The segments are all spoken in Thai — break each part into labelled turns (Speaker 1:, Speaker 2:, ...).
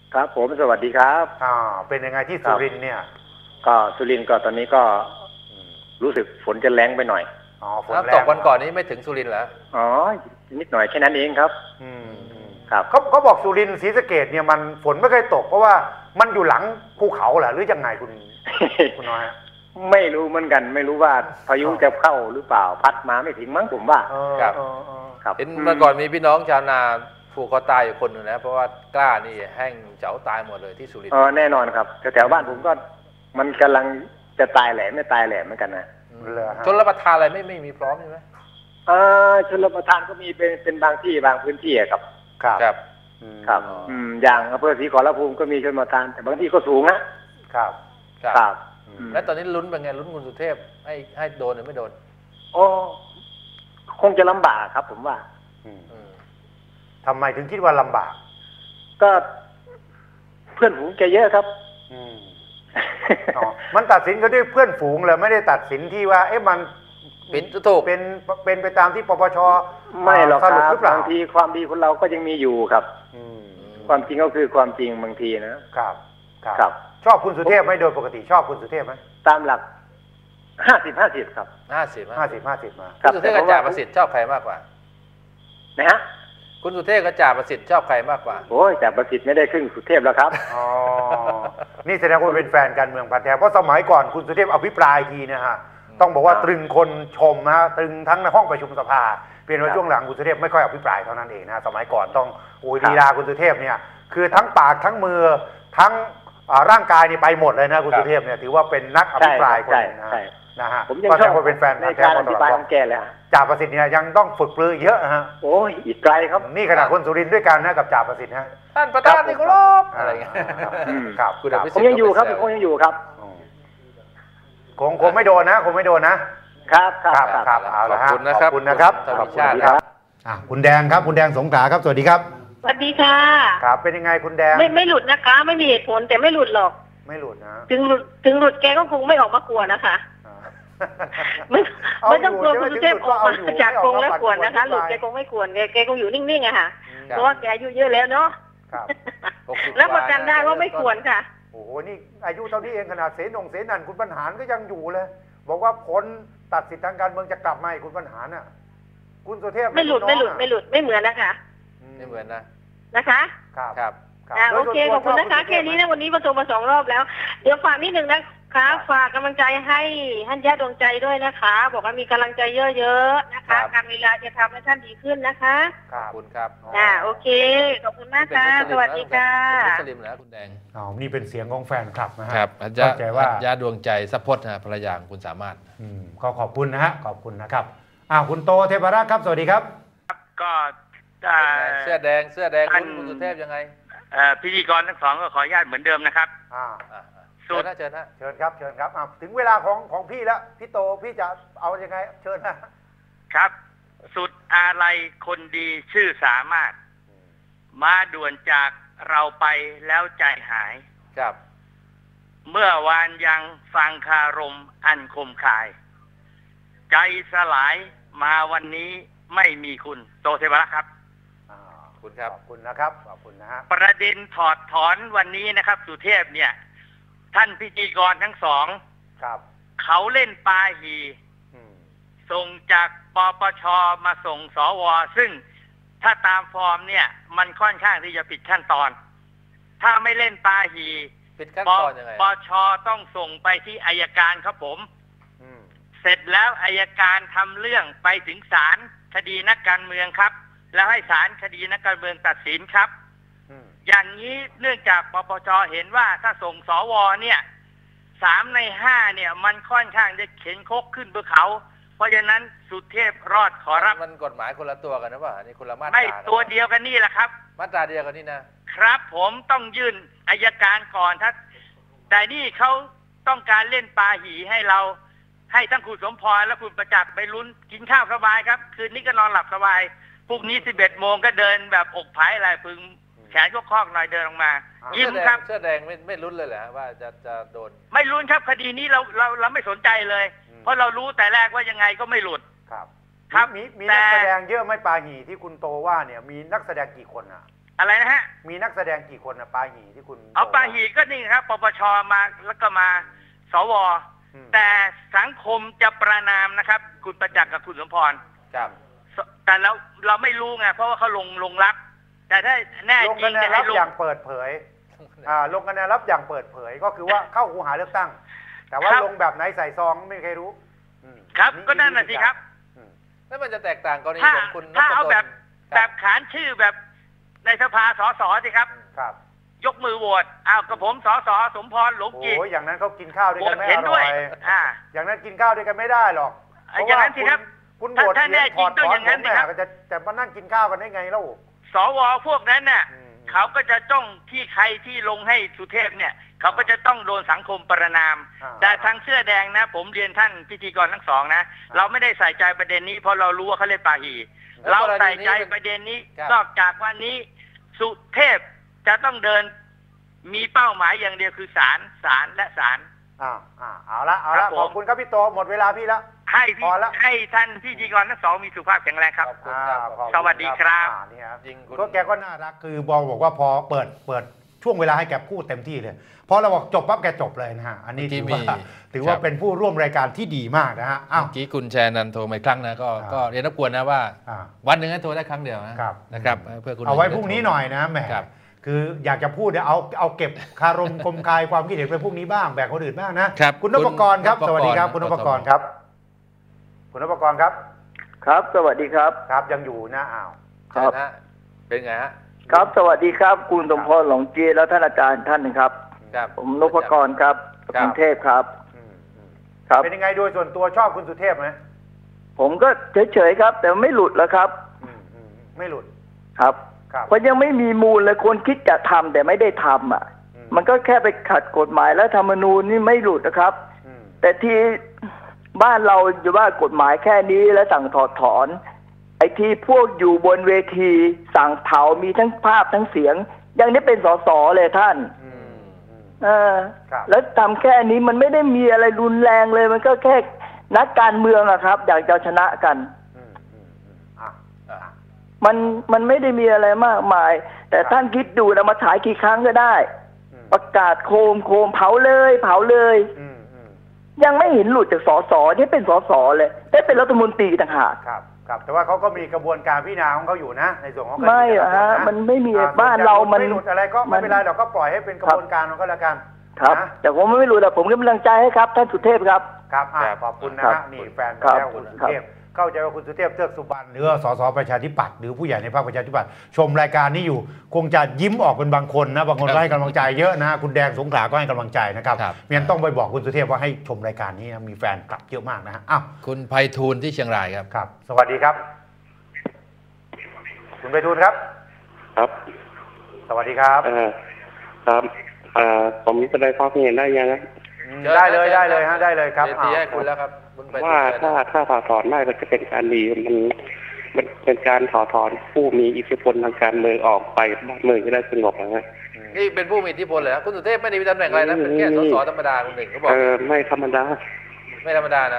Speaker 1: ครับผมสวัสดีครับ
Speaker 2: เป็นยังไงที่สุรินทร์เนี่ย
Speaker 1: ก็สุรินทร์ก็ตอนนี้ก็รู้สึกฝนจะแรงไปหน่อย
Speaker 3: ฝนตกวันก่อนนี้ไม่ถึงสุรินทร์เหรอ
Speaker 1: นิดหน่อยแค่นั้นเองครับ
Speaker 2: ครับเขาบอกสุรินทร์ศรีสะเกษเนี่ยมันฝนไม่เคยตกเพราะว่ามันอยู่หลังภูเขาเหรอหรือยังไงคุณน้อย
Speaker 1: ไม่รู้เหมือนกันไม่รู้ว่าพายุจะเข้าหรือเปล่าพัดมาไม่ถึงมั้งผมว่า
Speaker 3: ครับเห็นเมื่อก่อนมีพี่น้องชาวนาผูกคอตายอยู่คนหนึ่งนะเพราะว่ากล้านี่แห้งเจ๋าตายหมดเลยที่สุรินทร์
Speaker 1: แน่นอนครับแถวบ้านผมก็มันกำลังจะตายแหล่ไม่ตายแหล่เหมือนกันนะ
Speaker 3: ชนรับประทานอะไรไม่มีพร้อมใช่ไหม
Speaker 1: ชนรับประทานก็มีเป็นบางที่บางพื้นที่ครับ
Speaker 3: ครับ
Speaker 1: อย่างอำเภอศรีขอรภูมิก็มีชนรับประทานแต่บางที่ก็สูงนะครับ
Speaker 3: แล้วตอนนี้ลุ้นเป็นไงลุ้นคุณสุเทพให้โดนหรือไม่โดน
Speaker 1: คงจะลำบากครับผมว่า
Speaker 2: ทำไมถึงคิดว่าลำบาก
Speaker 1: ก็เพื่อนฝูงแกเยอะครับ
Speaker 2: มันตัดสินกันด้วยเพื่อนฝูงเลยไม่ได้ตัดสินที่ว่ามัน
Speaker 3: เป็นถูก
Speaker 2: เป็นไปตามที่ปปช
Speaker 1: ไม่หรอกครับบางทีความดีคนเราก็ยังมีอยู่ครับความจริงก็คือความจริงบางทีนะครับ
Speaker 2: ชอบคุณสุเทพไหมโดยปกติชอบคุณสุเทพไหม
Speaker 1: ตามหลัก50-50ครับ
Speaker 2: 50-50มา
Speaker 3: คุณสุเทพกับจ่าประสิทธิ์ชอบใครมากกว่า
Speaker 1: นะฮะ
Speaker 3: คุณสุเทพกับจ่าประสิทธิ์ชอบใครมากกว่า
Speaker 1: โอ้ยจ่าประสิทธิ์ไม่ได้ครึ่งสุเทพแล้วครับ
Speaker 2: นี่แสดงว่าเป็นแฟนการเมืองพันธุ์แท้เพราะสมัยก่อนคุณสุเทพอภิปรายทีนะฮะต้องบอกว่าตรึงคนชมนะตรึงทั้งในห้องประชุมสภาเปลี่ยนว่าช่วงหลังคุณสุเทพไม่ค่อยอภิปรายเท่านั้นเองนะสมัยก่อนต้องลีลาคุณสุเทพเนี่ยคือทั้งปากทั้งมือทั้งร่างกายนี่ไปหมดเลยนะคุณสุเทพเนี่ยถือว่าเป็นนักอภิปรายคนนึงนะฮะ
Speaker 1: ผมยังชอบ
Speaker 2: เป็นแฟน
Speaker 1: ในการอภิปรายของแกเลย
Speaker 2: จ่าประสิทธิ์เนี่ยยังต้องฝึกปรือเยอะฮะ
Speaker 1: โอ้ยอีกไกลครับ
Speaker 2: นี่ขนาดคนสุรินทร์ด้วยกันนะกับจ่าประสิทธิ์ฮะ
Speaker 3: ท่านประธานที่เคารพอะไรเงี้ย
Speaker 2: ครับ
Speaker 1: ผมยังอยู่ครับผมยังอยู่ครับ
Speaker 2: คงไม่โดนนะคงไม่โดนนะครับเอาละฮะขอบคุณนะครับ
Speaker 3: ขอบคุณครับ
Speaker 2: คุณแดงครับคุณแดงสงขลาครับสวัสดีครับ
Speaker 4: สวัสดีค่ะ
Speaker 2: ครับเป็นยังไงคุณแดง
Speaker 4: ไม่หลุดนะคะไม่มีเหตุผลแต่ไม่หลุดหรอก
Speaker 2: ไม่หลุดนะ
Speaker 4: ถึงหลุดแกก็คงไม่ออกมากวนนะคะไม่ต้องกลัวคุณสุเทพออกมาจากกรงแล้วกวนนะคะหลุดแกคงไม่กวนแกคงอยู่นิ่งๆอะค่ะเพราะว่าแกอายุเยอะแล้วเนาะแล้วประกันได้ว่าไม่กวนค่ะ
Speaker 2: โอ้โหนี่อายุเท่านี้เองขนาดเสนันคุณบรรหารก็ยังอยู่เลยบอกว่าผลตัดสิทธิทางการเมืองจะกลับมาคุณบรรหารน่ะคุณสุเทพ
Speaker 4: ไม่หลุดไม่เหมือนนะคะ
Speaker 3: ไม่เหมือน
Speaker 4: นะคะ
Speaker 3: ครับ
Speaker 4: โอเคขอบคุณนะคะแค่นี้นะวันนี้มาโทรมา2 รอบแล้วเดี๋ยวฝากนิดนึงนะคะฝากกำลังใจให้ท่านญาติดวงใจด้วยนะคะบอกว่ามีกำลังใจเยอะๆนะคะการเวลาจะทำให้ท่านดีขึ้นนะคะ
Speaker 3: ขอบคุณครับ
Speaker 4: โอเคขอบคุณมากค่ะสวัสดีค่ะ
Speaker 3: มุสลิมนะคุณแดง
Speaker 2: นี่เป็นเสียงของแฟนคลับนะฮะ
Speaker 3: ครับเข้าใจว่าญาติดวงใจซัพพอร์ตนะภรรยาคุณสามารถ
Speaker 2: ก็ขอบคุณนะฮะขอบคุณนะครับคุณโตเทพรัตน์ครับสวัสดีครับ
Speaker 5: ก็
Speaker 3: เสื้อแดงคุณสุเทพยังไง
Speaker 5: พิธีกรทั้งสองก็ขออนุญาตเหมือนเดิมนะครับ
Speaker 3: เชิญ
Speaker 2: ครับถึงเวลาของพี่แล้วพี่โตพี่จะเอายังไงเชิญ
Speaker 5: นะครับสุดอาลัยคนดีชื่อสามารถมาด่วนจากเราไปแล้วใจหาย
Speaker 3: ครับ
Speaker 5: เมื่อวานยังฟังคารมอันคมคายใจสลายมาวันนี้ไม่มีคุณโตเทวรักษ์ครับ
Speaker 2: ขอบคุณครับขอบคุณนะครับขอบคุณนะฮะ
Speaker 5: ประเด็นถอดถอนวันนี้นะครับสุเทพเนี่ยท่านพิธีกรทั้งสอง
Speaker 2: ครับ
Speaker 5: เขาเล่นปาหีส่งจากปปชมาส่งสวซึ่งถ้าตามฟอร์มเนี่ยมันค่อนข้างที่จะผิดขั้นตอนถ้าไม่เล่นปาหี
Speaker 3: ผิดขั้นตอนยังไง
Speaker 5: ปปชต้องส่งไปที่อัยการครับผมเสร็จแล้วอัยการทำเรื่องไปถึงศาลคดีนักการเมืองครับแล้วให้ศาลคดีนักการเมืองตัดสินครับอย่างนี้เนื่องจากปปชเห็นว่าถ้าส่งสวเนี่ย3 ใน 5เนี่ยมันค่อนข้างจะเข็นคกขึ้นบนเขาเพราะฉะนั้นสุเทพรอดขอรับ
Speaker 3: มันกฎหมายคนละตัวกันนะว่านี่คนละมาตรา
Speaker 5: ไม่ตัวเดียวกันนี่แหละครับ
Speaker 3: มาตราเดียวกันนี่นะครับ
Speaker 5: ผมต้องยื่นอัยการก่อนถ้าแต่นี่เขาต้องการเล่นปาหีให้เราให้ทั้งคุณสมพรและคุณประจักษ์ไปลุ้นกินข้าวสบายครับคืนนี้ก็นอนหลับสบายพรุ่งนี้11 โมงก็เดินแบบอกผายอะไรพึงแขนก็คอกหน่อยเดินออกมายิ้มครับ
Speaker 3: เสื้อแดงไม่ลุ้นเลยเหรอว่าจะโดน
Speaker 5: ไม่ลุ้นครับคดีนี้เราไม่สนใจเลยเพราะเรารู้แต่แรกว่ายังไงก็ไม่หลุด
Speaker 2: ครับมีนักแสดงเยอะไหมปาหีที่คุณโตว่าเนี่ยมีนักแสดงกี่คน
Speaker 5: อะไรนะฮะ
Speaker 2: มีนักแสดงกี่คนนะปาหีที่คุณ
Speaker 5: เอาปาหีก็นี่ครับปปชมาแล้วก็มาสวแต่สังคมจะประนามนะครับคุณประจักษ์กับคุณสมพร
Speaker 3: ครับ
Speaker 5: แต่เราไม่รู้ไงเพราะว่าเขาลงรับแต่ถ้าแน่จริงจะให้ลง
Speaker 2: อย่างเปิดเผยลงคะแนนรับอย่างเปิดเผยก็คือว่าเข้าคูหาเลือกตั้งแต่ว่าลงแบบไหนใส่ซองไม่มีใครรู้
Speaker 5: ครับก็นั่นน่ะสิครับ
Speaker 3: แล้วมันจะแตกต่างกรณีของคุณ
Speaker 5: ถ้าเอาแบบขานชื่อแบบในสภาสสสิครับยกมือโหวตกับผมสสสมพรหลงกิจ
Speaker 2: โอ้ยอย่างนั้นเขากินข้าวด้วยกันไม่อร่อยอย่างนั้นกินข้าวด้วยกันไม่ได้หรอก
Speaker 5: อย่างนั้นสิครับ
Speaker 2: คุณโหวตเสียงถอดถอนผมเนี่ยจะมานั่งกินข้าวกันได้ไงแล้ว
Speaker 5: สวพวกนั้นน่ะเขาก็จะจ้องที่ใครที่ลงให้สุเทพเนี่ยเขาก็จะต้องโดนสังคมประนามแต่ทางเสื้อแดงนะผมเรียนท่านพิธีกรทั้งสองนะเราไม่ได้ใส่ใจประเด็นนี้เพราะเรารู้ว่าเขาเล่นปาหีเราใส่ใจประเด็นนี้นอกจากวันนี้สุเทพจะต้องเดินมีเป้าหมายอย่างเดียวคือศาลและศาล
Speaker 2: เอาละขอบคุณครับพี่โตหมดเวลาพี่แล้ว
Speaker 5: ให้ท่านพิธีกรทั้งสองมีสุขภาพแข็งแรงครับสวัสดีครับ
Speaker 2: จริงก็แกก็น่ารักคือบอกว่าพอเปิดช่วงเวลาให้แกพูดเต็มที่เลยพอเราบอกจบปั๊บแกจบเลยนะฮะอันนี้ถือว่าเป็นผู้ร่วมรายการที่ดีมากนะฮะ
Speaker 3: เมื่อกี้คุณแชร์นันโทรมาอีกครั้งนะก็เรียนรบกวนนะว่าวันหนึ่งให้โทรได้ครั้งเดียวนะครับเพื่อคุณ
Speaker 2: เอาไว้พรุ่งนี้หน่อยนะแหมคืออยากจะพูดเอาเก็บคารมคมคายความคิดเห็นไปพรุ่งนี้บ้างแบ่งคนอื่นบ้างนะคุณนพกรครับสวัสดีครับคุณนพกรครับคุณนพกรครับ
Speaker 6: ครับสวัสดีครับ
Speaker 2: ครับยังอยู่นะ
Speaker 3: ครับเป็นไงฮะ
Speaker 6: ครับสวัสดีครับคุณสมพรหลงจีและท่านอาจารย์ท่านนึงครับผมนพกรครับกรุงเทพครับ
Speaker 2: ครับเป็นยังไงโดยส่วนตัวชอบคุณสุเทพไหม
Speaker 6: ผมก็เฉยๆครับแต่ไม่หลุดแล้วครับ
Speaker 2: ไม่หลุด
Speaker 6: ครับเพราะยังไม่มีมูลเลยคนคิดจะทำแต่ไม่ได้ทำมันก็แค่ไปขัดกฎหมายและธรรมนูญนี่ไม่หลุดนะครับแต่ที่บ้านเราอยู่ว่ากฎหมายแค่นี้แล้วสั่งถอดถอนไอ้ที่พวกอยู่บนเวทีสั่งเผามีทั้งภาพทั้งเสียงอย่างนี้เป็นสสเลยท่านแล้วทำแค่นี้มันไม่ได้มีอะไรรุนแรงเลยมันก็แค่นักการเมืองอะครับอยากจะชนะกันมันไม่ได้มีอะไรมากมายแต่ท่านคิดดูนะมาฉายกี่ครั้งก็ได้ประกาศโคมเผาเลยยังไม่เห็นหลุดจากสสนี่เป็นสสเลยได้เป็นรัฐมนตรีต่างหาก
Speaker 2: ครับแต่ว่าเขาก็มีกระบวนการพิจารณาของเขาอยู่นะในส่วนของ
Speaker 6: ไม่มันไม่มีบ้านเรามัน
Speaker 2: ไม่หลุดอะไรก็ไม่เป็นไรเราก็ปล่อยให้เป็นกระบวนการของเขาแล้วกัน
Speaker 6: ครับแต่ผมไม่รู้แต่ผมก็กำลังใจให้ครับท่านสุเทพครับ
Speaker 2: ขอบคุณนะฮะนี่แฟนแล้วคุณสุเทพเข้าใจว่าคุณสุเทพเทือกสุบรรณหรือสสประชาธิปัตย์หรือผู้ใหญ่ในพรรคประชาธิปัตย์ชมรายการนี้อยู่คงจะยิ้มออกเป็นบางคนนะบางคนก็ให้กำลังใจเยอะนะคุณแดงสงขลาก็ให้กำลังใจนะครับเมียนต้องไปบอกคุณสุเทพว่าให้ชมรายการนี้มีแฟนคลับเยอะมากนะฮะ
Speaker 3: คุณไพฑูรย์ที่เชียงรายครับ
Speaker 2: สวัสดีครับคุณไพฑูรย์ครับสวัสดีครับ
Speaker 7: ครับผมมีแสดงความเห็นได้ยังนะ
Speaker 2: ได้เลยฮะได้เลยครับ
Speaker 3: ที่ให้คุณแล้วครับ
Speaker 7: ว่าถ้าถอดถอนได้ก็จะเป็นการดีมันเป็นการถอดถอนผู้มีอิทธิพลทางการเมืองออกไปบ้านเมืองจะได้สงบนะฮะ
Speaker 3: นี่เป็นผู้มีอิทธิพลเลยนะคุณสุเทพไม่ได้มีตำแหน่งอะไรนะเป็นแค่สสธรรมดาคนหนึ่งเขาบอก
Speaker 7: ไม่ธรรมดา
Speaker 3: นะไม่ธรรมดา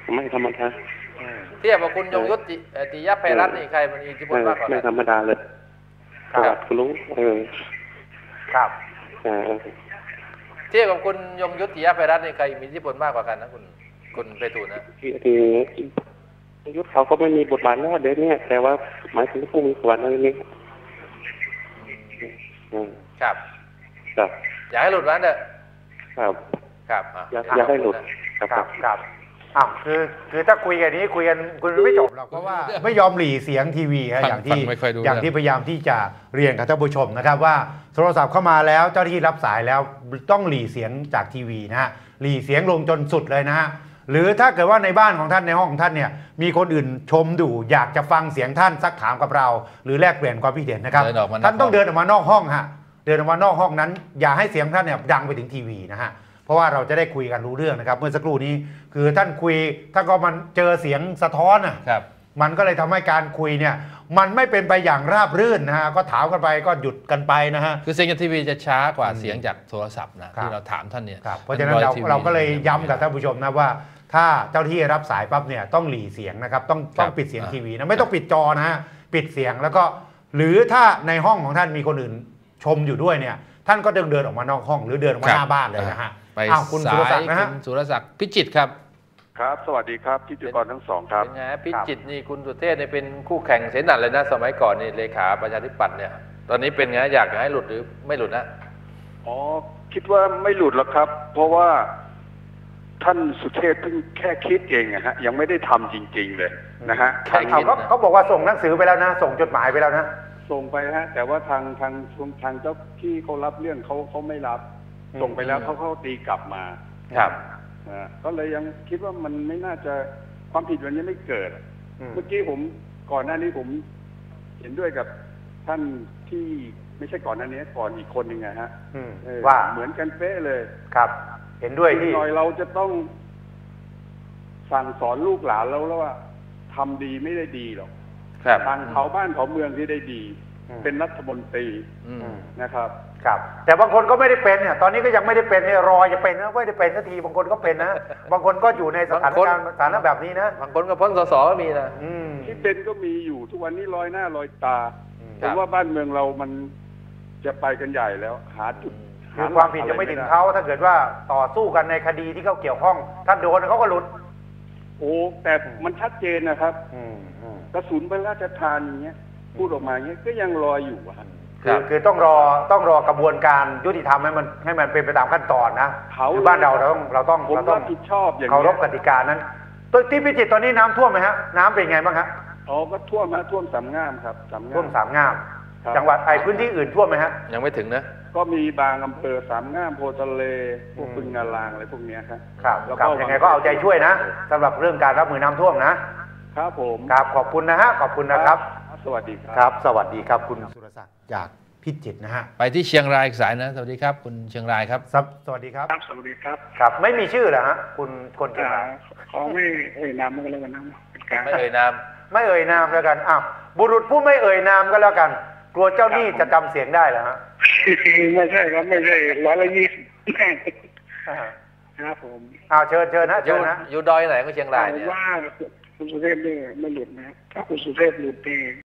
Speaker 3: เทียบกับคุณยงยุทธติยะไพรัตน์นี่ใครมันมีอิทธิพลมากกว่า
Speaker 7: ไม่ธรรมดาเลยครับคุณลุง
Speaker 2: ครับ
Speaker 3: เทียบกับคุณยงยุทธติยะไพรัตน์นี่ใครมีอิทธิพลมากกว่ากันนะคุณไพฑูรย์นะ
Speaker 7: คือยุทธเขาก็ไม่มีบทบาทแล้วเดี๋ยวนี้แต่ว่าหมายถึงผู้มีส่วนอะไรนี้
Speaker 3: ครับอยากให้หลุดวันเถอะครับ
Speaker 7: อยากให้หลุด
Speaker 2: ครับคือถ้าคุยกันนี้คุยกันคุณไม่จบหรอกเพราะว่าไม่ยอมหลีเสียงทีวีอย่างที่พยายามที่จะเรียนกับท่านผู้ชมนะครับว่าโทรศัพท์เข้ามาแล้วเจ้าหน้าที่รับสายแล้วต้องหลีเสียงจากทีวีนะฮะหลีเสียงลงจนสุดเลยนะฮะหรือถ้าเกิดว่าในบ้านของท่านในห้องของท่านเนี่ยมีคนอื่นชมดูอยากจะฟังเสียงท่านซักถามกับเราหรือแลกเปลี่ยนความคิดเห็นนะครับท่านต้องเดินออกมานอกห้องฮะเดินออกมานอกห้องนั้นอย่าให้เสียงท่านเนี่ยดังไปถึงทีวีนะฮะเพราะว่าเราจะได้คุยกันรู้เรื่องนะครับเมื่อสักครู่นี้คือท่านคุยถ้าก็มันเจอเสียงสะท้อนมันก็เลยทำให้การคุยเนี่ยมันไม่เป็นไปอย่างราบรื่นนะฮะก็ถามกันไปก็หยุดกันไปนะฮะ
Speaker 3: คือเสียงจากทีวีจะช้ากว่าเสียงจากโทรศัพท์นะที่เราถามท่านเนี่ย
Speaker 2: เพราะฉะนั้นเราก็เลยย้ำกับท่านผู้ชมนะว่าถ้าเจ้าที่รับสายปั๊บเนี่ยต้องหลีเสียงนะครับต้องปิดเสียงทีวีนะไม่ต้องปิดจอนะฮะปิดเสียงแล้วก็หรือถ้าในห้องของท่านมีคนอื่นชมอยู่ด้วยเนี่ยท่านก็เดินออกมานอกห้องหรือเดินออกมาหน้าบ้านเลยนะฮะ
Speaker 3: ไป
Speaker 2: คุณสุ
Speaker 3: สาร
Speaker 2: ศัก
Speaker 3: ย
Speaker 2: ดิ์นะฮะ
Speaker 3: คุณสุรศักดิ์พิจิตรครับ
Speaker 8: ครับ สวัสดีครับพิธีกรทั้งสองครับ
Speaker 3: เป็นไงพิจิตรนี่คุณสุเทพเนี่ยเป็นคู่แข่งเสนาเลยนะสมัยก่อนนี่เลขาประชาธิปัตย์เนี่ยตอนนี้เป็นไงอยากให้หลุดหรือไม่หลุดนะ
Speaker 8: อ๋อคิดว่าไม่หลุดหรอกครับ เพราะว่าท่านสุเทพเพิ่งแค่คิดเองนะฮะยังไม่ได้ทำจริงๆเลยนะฮะ
Speaker 2: เขาบอกว่าส่งหนังสือไปแล้วนะส่งจดหมายไปแล้วนะ
Speaker 8: ส่งไปฮะแต่ว่าทางเจ้าที่เขารับเรื่องเขาไม่รับส่งไปแล้วเขาตีกลับมา
Speaker 3: ครับ
Speaker 8: ก็เลยยังคิดว่ามันไม่น่าจะความผิดวันนี้ไม่เกิดเมื่อกี้ผมก่อนหน้านี้ผมเห็นด้วยกับท่านที่ไม่ใช่ก่อนหน้านี้ก่อนอีกคนหนึ่งไงฮะ
Speaker 2: ว่า
Speaker 8: เหมือนกันเป๊ะเลย
Speaker 2: ครับเห็นด้วยที่
Speaker 8: หน่อยเราจะต้องสั่งสอนลูกหลานแล้วว่าทำดีไม่ได้ดีหรอกทางเขาบ้านเขาเมืองที่ได้ดีเป็นรัฐมนตรีนะครับ
Speaker 2: ครับแต่บางคนก็ไม่ได้เป็นเนี่ยตอนนี้ก็ยังไม่ได้เป็นเนี่ยรอจะเป็นนะไม่ได้เป็นสักทีบางคนก็เป็นนะบางคนก็อยู่ในสถานการณ์สถานะแบบนี้นะ
Speaker 3: บางคนก็พ้นสสก็มีนะ
Speaker 8: ที่เป็นก็มีอยู่ทุกวันนี้ลอยหน้าลอยตาผมว่าบ้านเมืองเรามันจะไปกันใหญ่แล้วหาจุด
Speaker 2: คือความผิดยังไม่ถึงเขาถ้าเกิดว่าต่อสู้กันในคดีที่เขาเกี่ยวข้องถ้าโดนเขาก็หลุด
Speaker 8: โอ้แต่มันชัดเจนนะครับกระสุนพระราชทานอย่างเงี้ยพูดออกมาอย่างเงี้ยก็ยังรออยู่
Speaker 2: คือต้องรอกระบวนการยุติธรรมให้มันเป็นไปตามขั้นตอนนะคือบ้านเราต้อง
Speaker 8: รับผิดชอบอย่าง
Speaker 2: เคารพกติกานั้นตัวที่พิจิตรตอนนี้น้ำท่วมไหมฮะน้ำเป็นไงบ้างฮะ
Speaker 8: อ๋อก็ท่วมสามงามครับ
Speaker 2: ท่วมสามงามจังหวัดพื้นที่อื่นท่วมไหมฮะ
Speaker 3: ยังไม่ถึงนะ
Speaker 8: ก็มีบางอำเภอสามงามโพทะเลพวกปึงงาลางอะไรพวกนี้
Speaker 2: ครับแล้วก็ยังไงก็เอาใจช่วยนะสำหรับเรื่องการรับมือน้ำท่วมนะครับ
Speaker 8: ผม
Speaker 2: ครับขอบคุณนะฮะขอบคุณนะครับ
Speaker 8: สวัสดี
Speaker 2: ครับสวัสดีครับคุณสุรศักดิ์จากพิจิตรนะฮะ
Speaker 3: ไปที่เชียงรายอีกสายนะสวัสดีครับคุณเชียงรายครับ
Speaker 2: สวัสดีครับ
Speaker 8: สวัสดีครับ
Speaker 2: ครับไม่มีชื่อเหรอฮะคุณคนเชียงราย
Speaker 8: เขาไม่เอ่ยนามก็แล้วกันนะ
Speaker 3: ไม่เอ่ยนาม
Speaker 2: แล้วกันอ้าวบุรุษผู้ไม่เอ่ยนามก็แล้วกันกลัวเจ้าหนี้จะจำเสียงได้เหรอฮะ
Speaker 8: ไม่ใช่ครับไม่ใช่120ครับผม
Speaker 2: เชิญนะ
Speaker 3: อยู่ดอยไหนก็เชียงรายเนี่ย
Speaker 8: ว่าคุณสุเทพไม่หลุดนะถ้าคุณสุเทพหลุดเอง